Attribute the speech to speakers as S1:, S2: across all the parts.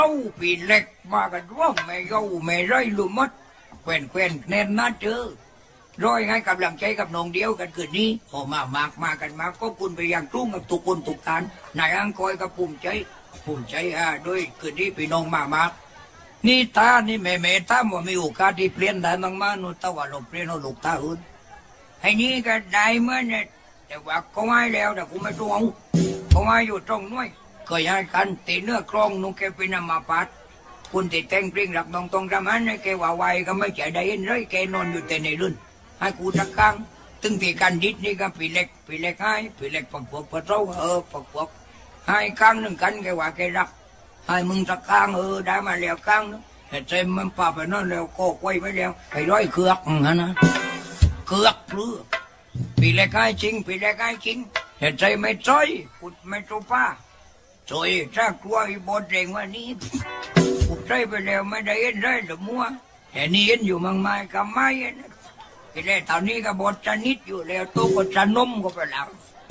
S1: เอาปีเล็กมากันว่าไม่เอาไม่ไรรู้มัดแควนแน่นน่าเจอร้อยให้กำลังใจกับน้องเดียวกันคืนนี้โอ้มากันมาก็คุณไปยังตุ้งกับทุกคนทุกการนายอังคอยกับปุ่มใจด้วยคืนนี้พี่น้องมากนี่ตานี่แม่ตาว่ามีโอกาสที่เปลี่ยนได้มากๆนู่นแต่ว่าเราเปลี่ยนเราลูกตาอื่นไอ้นี่ก็ได้เมื่อเนี่ยแต่ว่าเขาให้แล้วแต่กูไม่รู้เขาให้อยู่ตรงนู้นเคยให้กันตีเนื้อกลองนุ่งแกเป็นอามาปัดคุณติดแต่งเพลงหลักน้องตรงทำอันให้แกว่าไวก็ไม่ใจได้เห็นเลยแกนอนอยู่แต่ในรุ่นให้กูสักครั้งตึงตีกันดิดนี่ก็ปีเล็กให้ปีเล็กปักพวกปักเท้าปักพวกให้ครั้งหนึ่งกันแกว่าแกรักให้มึงสักครั้งได้มาแล้วครั้งนึงแต่ใจมันป่าไปนั่นแล้วก็ไว้ไว้แล้วไอ้ร้อยเคือกนะเคือกเปลือกปีเล็กให้จริงแต่ใจไม่จ้อยกุดไม่ตัวป้าจอยถ้ากลัวอีบดเร่งว่านี้กุดใจไปแล้วไม่ได้เห็นได้หรือมัวแต่นี่เห็นอยู่มังไม่กับไม่เห็นทีแรกตอนนี้ก็บดจะนิดอยู่แล้วตัวก็จะนมก็ไปแล้ว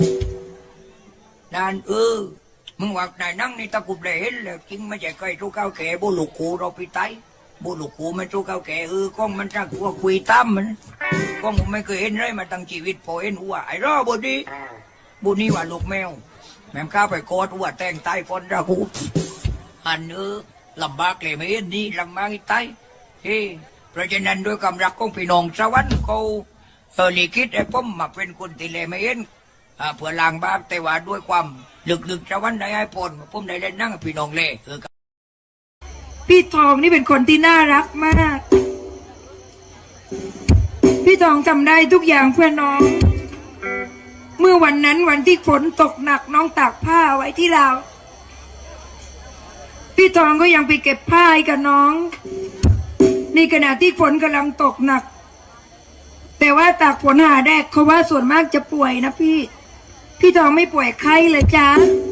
S1: นั่นมึงว่าไหนนั่งนี่ตะกุบเลยเห็นแล้วจริงไม่ใช่ใครทุกข้าวแก่บุลุกูเราไปไตบุลุกูไม่ทุกข้าวแก่ก้องมันจะกลัวคุยตั้มมันก้องผมไม่เคยเห็นเลยมาตั้งชีวิตพอเห็นว่าไอ้รอบุนี้ว่าลูกแมวแม่ข้าไปโคตรว่าแต่งไตฟอนราคูอันลำบากเลยไม่เห็นนี่ลำบากอีไตเพราะฉะนั้นด้วยกำรักของพี่น้องสวรรค์เขาลิขิตไอ้ผมมาเป็นคนที่เลยไม่เห็นเพื่อล้างบาปแต่ว่าด้วยความลึกสวรรค์ได้ให้ผลผมได้เล่นนั่งพี่น้องเล่
S2: พี่ทองนี่เป็นคนที่น่ารักมาก พี่ทองจำได้ทุกอย่างเพื่อน้อง เมื่อวันนั้นวันที่ฝนตกหนักน้องตากผ้าไว้ที่ราวพี่ทองก็ยังไปเก็บผ้าให้กับน้องในขณะที่ฝนกำลังตกหนักแต่ว่าตากฝนหาแดกเขาว่าส่วนมากจะป่วยนะพี่ทองไม่ป่วยไข้เลยจ้า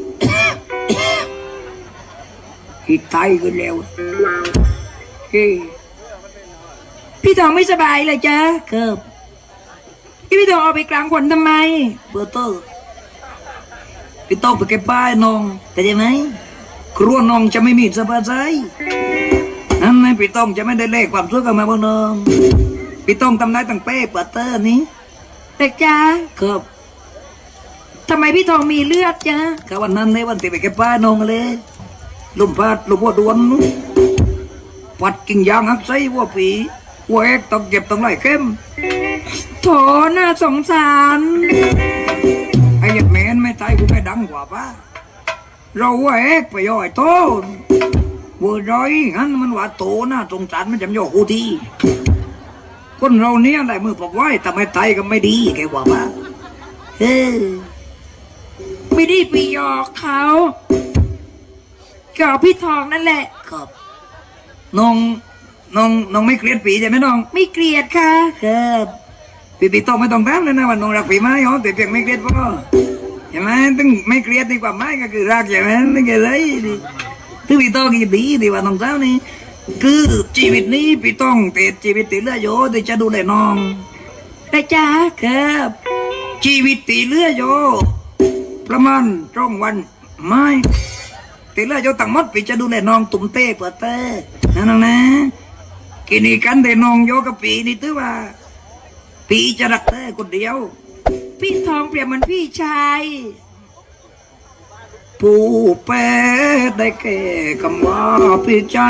S1: ที่ไตกันแล้ว
S2: พี่ทองไม่สบายเลยจ้า
S1: ครับ
S2: พี่ทองเอาไปกลางฝนทำไม
S1: เบอร์เตอร์พี่ต้องไปเก็บป้ายน้องเข้าใจไหมครัวน้องจะไม่มีสบายใจนั่นไงพี่ต้องจะไม่ได้เลขความสุขกับมาบ้างน้องพี่ต้องทำได้ตั้งเป้เบอร์เตอร์นี้
S2: แต่จ้า
S1: ครับ
S2: ทำไมพี่ทองมีเลือดจ้า
S1: ก็วันนั้นในวันที่ไปเก็บป้ายน้องเลยลมพัดลมวัวดวนปัดกิ่งยางหักไส้วัวผีวัวเอกต้องเก็บต้องไหลเข้ม
S2: โถน่าสงสาร
S1: ไอ้ยัดแมนไม่ตายกูไม่ดังกว่าป้าเราวัวเอกไปย่อยโตวัวร้อยงั้นมันว่าโตน่าสงสารมันจำย่อกูทีคนเราเนี้ยได้มือปอกไว้แต่ไม่ตายก็ไม่ดีแกว่าป้า
S2: ไม่ได้ไปหยอกเขากับพี่ทองนั่นแหละ
S1: ครับน้องไม่เกลียดปีใช่ไหมน้อง
S2: ไม่เกลียดค่ะ
S1: ครับปีต้องไม่ต้องถามเลยนะว่าน้องรักปีไหมอ๋อแต่เพียงไม่เกลียดพ่อใช่ไหมตึงไม่เกลียดดีกว่าไหมก็คือรักใช่ไหมไม่เกลียดเลยตึงปีต้องกี่ดีดีว่าน้องเจ้านี่คือชีวิตนี้ปีต้องเติดชีวิตติดเลือดโยที่จะดูแลน้อง
S2: แต่จ้า
S1: ครับชีวิตติดเลือดโยประมาณช่องวันไม่ตีละโยตั้งมดปีจะดูแลน้องตุ่มเต้เปิดเต้นะน้องนะกินกันแต่น้องโยกับปีนี่ตื้อว่าปีจะรักเต้คนเดียว
S2: พี่ทองเปรียบเหมือนพี่ชาย
S1: ผู้แปดได้แก่คำว่าพี่ชาย